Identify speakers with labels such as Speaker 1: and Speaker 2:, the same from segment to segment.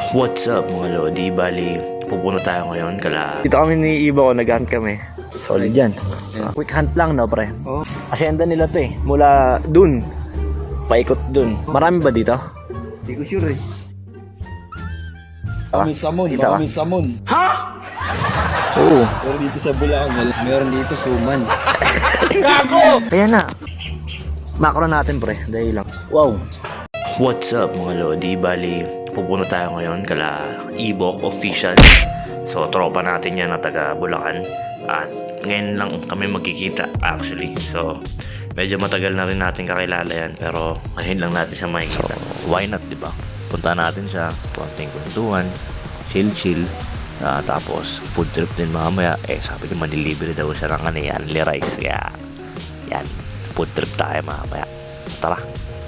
Speaker 1: What's up mga Lodi? Bali, pupunta tayo ngayon kala...
Speaker 2: Dito kami ni Iba ko, nag-hunt kami. Solid yan. Quick hunt lang, no, pre?
Speaker 3: Oh.
Speaker 2: Asyenda nila to eh. Mula dun, paikot dun. Marami ba dito?
Speaker 3: Hindi ko sure eh.
Speaker 2: Ah,
Speaker 3: May samon,
Speaker 2: kita
Speaker 3: baka
Speaker 2: ka?
Speaker 3: may samon.
Speaker 2: Oo.
Speaker 3: Pero dito sa Bulacan, meron dito suman.
Speaker 2: Kaya na. Macro natin, pre. Dahil lang. Wow.
Speaker 1: What's up mga Lodi? Bali, pupunta tayo ngayon kala Ibok Official. So, tropa natin yan na taga Bulacan. At ngayon lang kami magkikita actually. So, medyo matagal na rin natin kakilala yan. Pero ngayon lang natin siya makikita. Why not, diba? Punta natin siya, konting kwentuhan, chill. Tapos, food trip din mamaya. Sabi niya manilibere daw siya ng Anli Rice. Kaya, yan. Food trip tayo mamaya. Tara.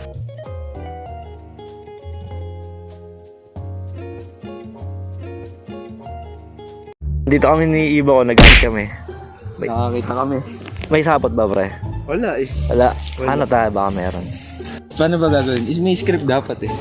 Speaker 2: Dito kami ni Iba ko, nag-hunt kami.
Speaker 3: Nakakita kami.
Speaker 2: May sapot ba, pre?
Speaker 3: Wala eh.
Speaker 2: Wala. Ano tayo? Baka meron.
Speaker 3: Paano ba gagawin? May script dapat eh.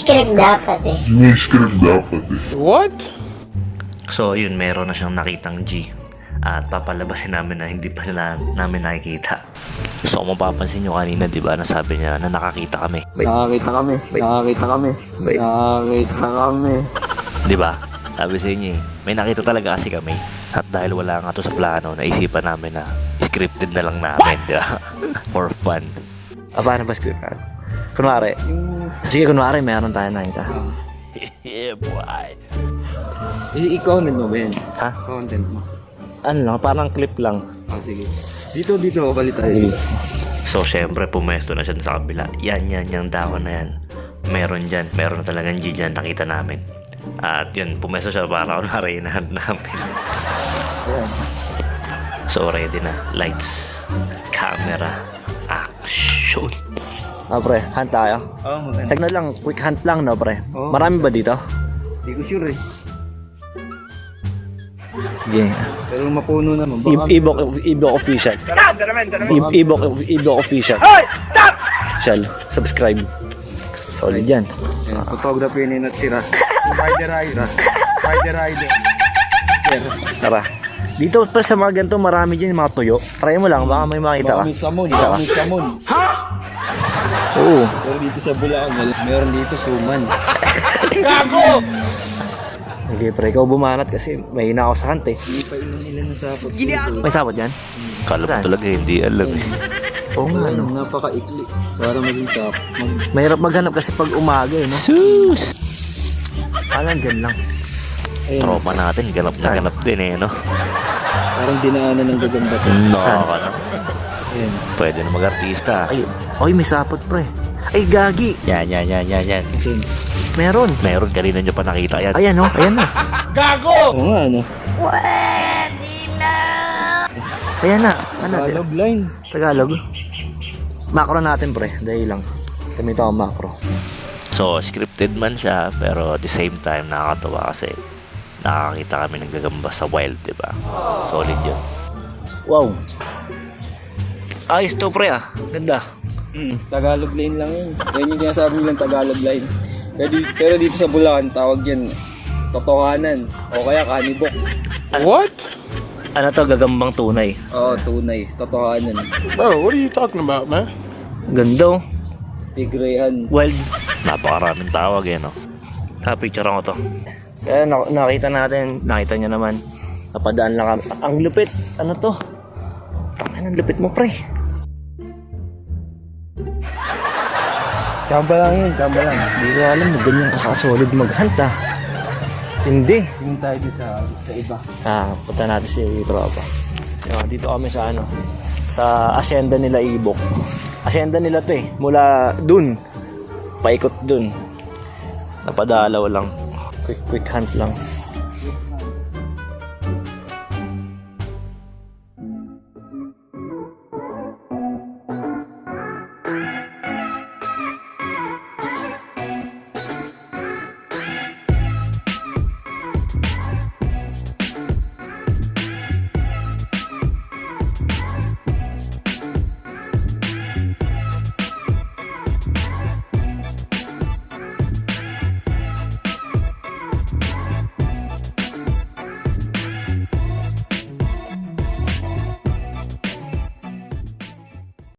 Speaker 4: What?
Speaker 1: So, yun, meron na siyang nakitang G. At papalabasin namin na hindi pa sila namin nakikita. So, kung mapapansin nyo kanina, di ba, nasabi niya na nakakita kami.
Speaker 3: Nakakita kami. Nakakita kami.
Speaker 2: Wait.
Speaker 3: Nakakita kami.
Speaker 1: Di ba? Sabi sa inyo may nakita talaga kasi kami. At dahil wala nga to sa plano, naisipan namin na scripted na lang namin, di ba? For fun.
Speaker 2: Paano ba script? Kunwari. Sige, kunwari, meron tayo nakita.
Speaker 1: Yeah, boy.
Speaker 3: I-content mo ba yan?
Speaker 2: Ha?
Speaker 3: Content mo.
Speaker 2: Ano lang, parang clip lang.
Speaker 3: Sige. Dito, balik tayo.
Speaker 1: So, syempre, pumesto na siya sa kabila. Yan, yung dahon na yan. Meron dyan. Meron na talagang G dyan. Nakita namin. At yun, pumesto siya para kunwari inahan namin.
Speaker 3: Ayan.
Speaker 1: So, ready na. Lights, camera, action.
Speaker 2: Pre, hunt tayo.
Speaker 3: Oo, maganda.
Speaker 2: Signal lang, quick hunt lang, no, pre?
Speaker 3: Oo.
Speaker 2: Marami ba dito?
Speaker 3: Hindi ko sure eh.
Speaker 2: Sige.
Speaker 3: Pero mapuno naman.
Speaker 2: Ibok Official. Ibok Official. Official. Subscribe. Solid yan.
Speaker 3: Ayan, photography ni Natsira. Rider.
Speaker 2: Tara. Dito pa sa mga ganito, marami dyan mga tuyo. Try mo lang, baka may makita ka.
Speaker 3: Baka may samon.
Speaker 2: Kita ka?
Speaker 3: Baka may samon.
Speaker 2: Oo.
Speaker 3: Pero dito sa Bulacan, meron dito suman.
Speaker 2: Okay, pre, ikaw bumanat kasi may hina ako sa hunt eh.
Speaker 3: Hindi pa inom nila ng sapot.
Speaker 2: May sabot yan?
Speaker 1: Kala mo
Speaker 2: Saan?
Speaker 1: talaga hindi alam eh.
Speaker 2: Oo nga, no.
Speaker 3: Napaka-ikli. Para maging top.
Speaker 2: Mahirap maghanap kasi pag umaga eh, no?
Speaker 1: Sus!
Speaker 2: Alam, dyan lang.
Speaker 3: Ayun,
Speaker 1: Tropa natin, ganap na ganap din eh, no?
Speaker 3: parang dinaanan ng gagamba to.
Speaker 1: No, ano?
Speaker 3: Ayan.
Speaker 1: Pwede na mag-artista.
Speaker 2: Ay, may sapot, pre. Ay, gagi.
Speaker 1: Yan.
Speaker 3: Ayan.
Speaker 2: Meron.
Speaker 1: Meron, kanina nyo pa nakita yan.
Speaker 2: Ayan, no? Ayan na.
Speaker 3: Oo nga, ano?
Speaker 2: Ayan na. Ano?
Speaker 3: Tagalog line.
Speaker 2: Tagalog. Macro natin, pre. Dahil lang. Kami ito ang macro.
Speaker 1: So, scripted man siya, pero at the same time, nakakatawa kasi nakakita kami ng gagamba sa wild, diba? Solid yun.
Speaker 2: Wow. Ayos to, pre, ah. Ganda.
Speaker 3: Tagalog line lang yun. Yan yung sinasabi nilang Tagalog line. Pero dito sa Bulacan, tawag yan totohanan. O kaya kanibok.
Speaker 4: What?
Speaker 2: Ano to, gagambang tunay.
Speaker 3: Oo, tunay. Totohanan.
Speaker 4: Bro, what are you talking about, man?
Speaker 2: Ganda, oh.
Speaker 3: Tigrehan.
Speaker 2: Wild.
Speaker 1: Napakaraming tawag eh, no?
Speaker 2: Picture ko to. Kaya nakita natin, nakita niya naman. Napadaan lang kami. Ang lupit. Ano to? Ang lupit mo, pre.
Speaker 3: Tsamba lang yun, tsamba lang.
Speaker 2: Hindi ko alam mo, ganyan kakasolid mag-hunt, ah. Hindi.
Speaker 3: Tingin tayo dito sa iba.
Speaker 2: Punta natin si tropa. Dito kami sa ano, sa asyenda nila Ibok. Asyenda nila to eh. Mula dun, paikot dun. Napadalaw lang. Quick hunt lang.